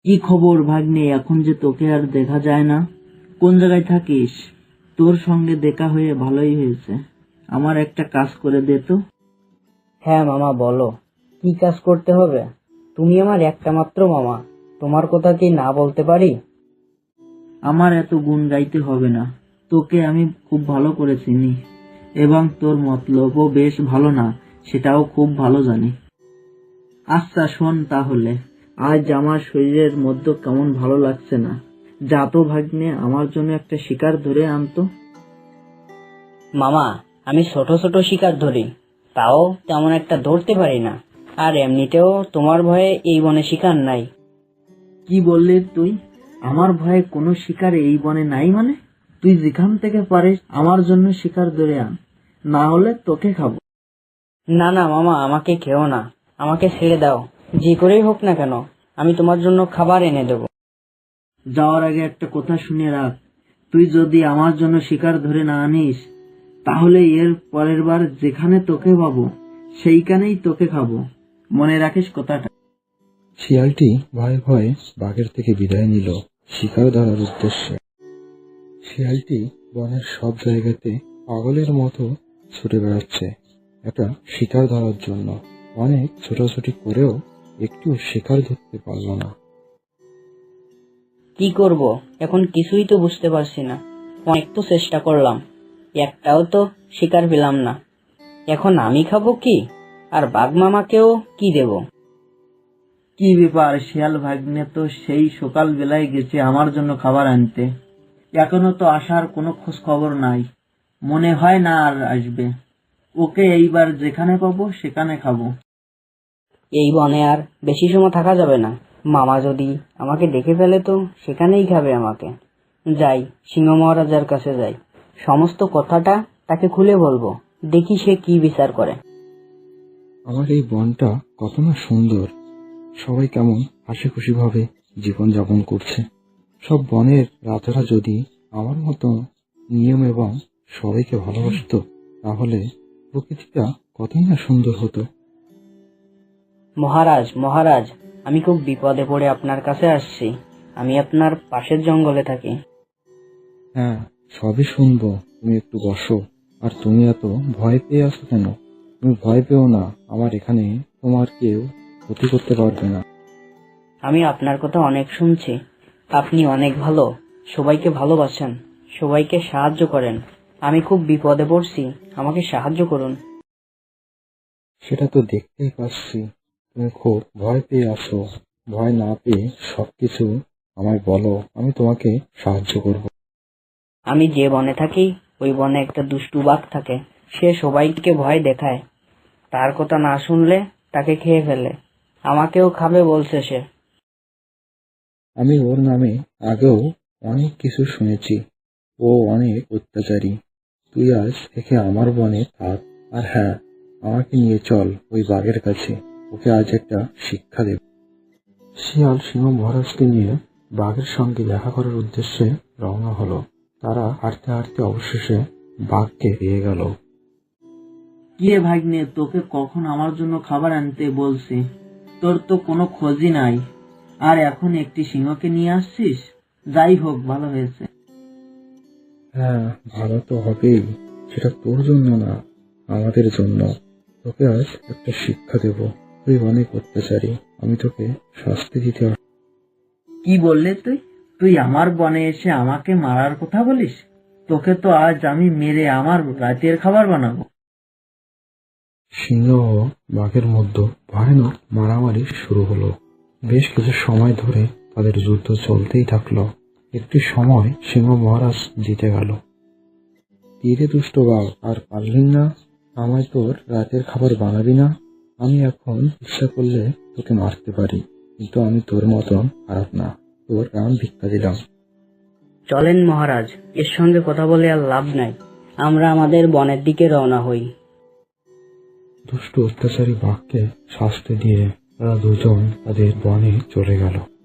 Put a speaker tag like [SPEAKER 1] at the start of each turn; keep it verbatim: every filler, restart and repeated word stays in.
[SPEAKER 1] কি খবর ভাগ্নে? এখন যে তোকে আর দেখা যায় না, কোন জায়গায় থাকিস? তোর সঙ্গে দেখা হয়ে ভালোই হয়েছে। আমার একটা কাজ করে দে তো।
[SPEAKER 2] হ্যাঁ মামা, বলো কি কাজ করতে হবে? তুমি আমার একটা মাত্র মামা, তোমার কথা কি না বলতে পারি?
[SPEAKER 1] আমার এত গুণ গাইতে হবে না, তোকে আমি খুব ভালো করে চিনি এবং তোর মতলবও বেশ ভালো না সেটাও খুব ভালো জানি। আচ্ছা শোন তাহলে, আজ আমার শরীরের মধ্যে কেমন ভালো লাগছে না। যা তো ভাগ্নে, আমার জন্য একটা শিকার ধরে আনতো।
[SPEAKER 2] মামা, আমি ছোট ছোট শিকার ধরি, তাও তেমন একটা ধরতে পারি না। আর এমনিতেও তোমার ভয়ে এই বনে শিকার নাই।
[SPEAKER 1] কি বললি তুই? আমার ভয়ে কোনো শিকার এই বনে নাই মানে? তুই যেখান থেকে পারিস আমার জন্য শিকার ধরে আন, না হলে তোকে খাবো।
[SPEAKER 2] না না মামা, আমাকে খেও না, আমাকে ছেড়ে দাও। যে করেই হোক না কেন, আমি তোমার জন্য খাবার এনে দেবো।
[SPEAKER 1] যাওয়ার আগে একটা কথা শুনে রাখ, তুই যদি আমার জন্য শিকার ধরে না আনিস, তাহলে এর পরের বার যেখানে তোকে পাবো সেইখানেই তোকে খাবো। মনে রাখিস কথাটা।
[SPEAKER 3] শিয়ালটি ভয়ে ভয়ে বাঘের থেকে বিদায় নিল শিকার ধরার উদ্দেশ্যে। শিয়ালটি বনের সব জায়গাতে পাগলের মতো ছুটে বেড়াচ্ছে একটা শিকার ধরার জন্য। অনেক ছোটাছুটি করেও একটু শিকার ধরতে পারল না।
[SPEAKER 2] কি করব এখন কিছুই তো বুঝতে পারছি না। অনেক তো চেষ্টা করলাম, একটাও তো শিকার পেলাম না। এখন আমি খাবো কি, আর বাঘ মামাকেও কি দেব?
[SPEAKER 1] কি ব্যাপার, শিয়াল ভাগ্নে তো সেই সকাল বেলায় গেছে আমার জন্য খাবার আনতে, এখনো তো আসার কোনো খোঁজ খবর নাই। মনে হয় না আর আসবে। ওকে এইবার যেখানে পাবো সেখানে খাবো।
[SPEAKER 2] এই বনে আর বেশি সময় থাকা যাবে না। মামা যদি আমাকে দেখে ফেলে তো সেখানেই খাবে আমাকে। যাই, সিংহ মহারাজার কাছে যাই, সমস্ত কথাটা তাকে খুলে বলবো, দেখি সে কি বিচার করে।
[SPEAKER 3] আমার এই বনটা কত না সুন্দর, সবাই কেমন হাসি খুশি ভাবে জীবন যাপন করছে। সব বনের রাজারা যদি আমার মতো নিয়ম এবং সবাইকে ভালোবাসতো, তাহলে প্রকৃতিটা কতই না সুন্দর হতো।
[SPEAKER 2] মহারাজ মহারাজ, আমি খুব বিপদে পড়ে আপনার কাছে আসছি। আমি আপনার পাশের জঙ্গলে থাকি।
[SPEAKER 3] হ্যাঁ, সবই শুনবো, তুমি একটু বসো। আর তুমি এত ভয় পেয়ে আছো কেন? তুমি ভয় পেও না, আমার এখানে তোমার কেউ ক্ষতি করতে পারবে না।
[SPEAKER 2] আমি আপনার কথা অনেক শুনছি, আপনি অনেক ভালো, সবাইকে ভালোবাসেন, সবাইকে সাহায্য করেন। আমি খুব বিপদে পড়ছি, আমাকে সাহায্য করুন।
[SPEAKER 3] সেটা তো দেখতেই পাচ্ছি, তুমি খুব ভয় পেয়ে আছো। ভয় না পেয়ে সবকিছু আমায় বলো, আমি তোমাকে সাহায্য করব।
[SPEAKER 2] আমি যে বনে থাকি ওই বনে একটা দুষ্টু বাঘ থাকে। সে সবাইকে ভয় দেখায়, তার কথা না শুনলে তাকে খেয়ে ফেলে। আমাকেও খাবে বলছে সে।
[SPEAKER 3] আমি ওর নামে আগেও অনেক কিছু শুনেছি, ও অনেক অত্যাচারী। তুই আজ থেকে আমার বনে থাক, আর হ্যাঁ, আমাকে নিয়ে চল ওই বাঘের কাছে, ওকে আজ একটা শিক্ষা দেব। শিয়াল সিংহ মহারাজকে নিয়ে বাঘের সঙ্গে দেখা করার উদ্দেশ্যে রওনা হলো। তারা হাঁটতে হাঁটতে অবশেষে বাঘকে পেয়ে গেল।
[SPEAKER 1] কি রে ভাগ্নে, তোকে কখন আমার জন্য খাবার আনতে বলছি? তোর তো কোনো খোঁজই নাই, আর এখন একটি সিংহকে নিয়ে আসছিস। যাই হোক, ভালো হয়েছে।
[SPEAKER 3] হ্যাঁ, ভালো তো হবেই, সেটা তোর জন্য না, আমাদের জন্য। তোকে আজ একটা শিক্ষা দেব। তুই অনেক অত্যাচারী, আমি তোকে শাস্তি দিতে আস-
[SPEAKER 1] কি বললে তুই? তুই আমার বনে এসে আমাকে মারার কথা বলিস? তোকে তো আজ আমি মেরে আমার রাতের খাবার বানাবো।
[SPEAKER 3] সিংহ ও বাঘের মধ্যে ভয়ানক মারামারি শুরু হলো। বেশ কিছু সময় ধরে তাদের যুদ্ধ চলতেই থাকলো। একটি সময় সিংহ মহারাজ জিতে গেল। তীরে দুষ্ট বাঘ, আর পারলি না? আমায় তোর রাতের খাবার বানাবি না? আমি এখন ইচ্ছা করলে তোকে মারতে পারি, কিন্তু আমি তোর মতন খারাপ না, তোর প্রাণ ভিক্ষা দিলাম।
[SPEAKER 2] চলেন মহারাজ, এর সঙ্গে কথা বলে আর লাভ নাই, আমরা আমাদের বনের দিকে রওনা হই।
[SPEAKER 3] দুষ্ট অত্যাচারী বাঘকে শাস্তি দিয়ে তারা দুজন তাদের বনে চলে গেল।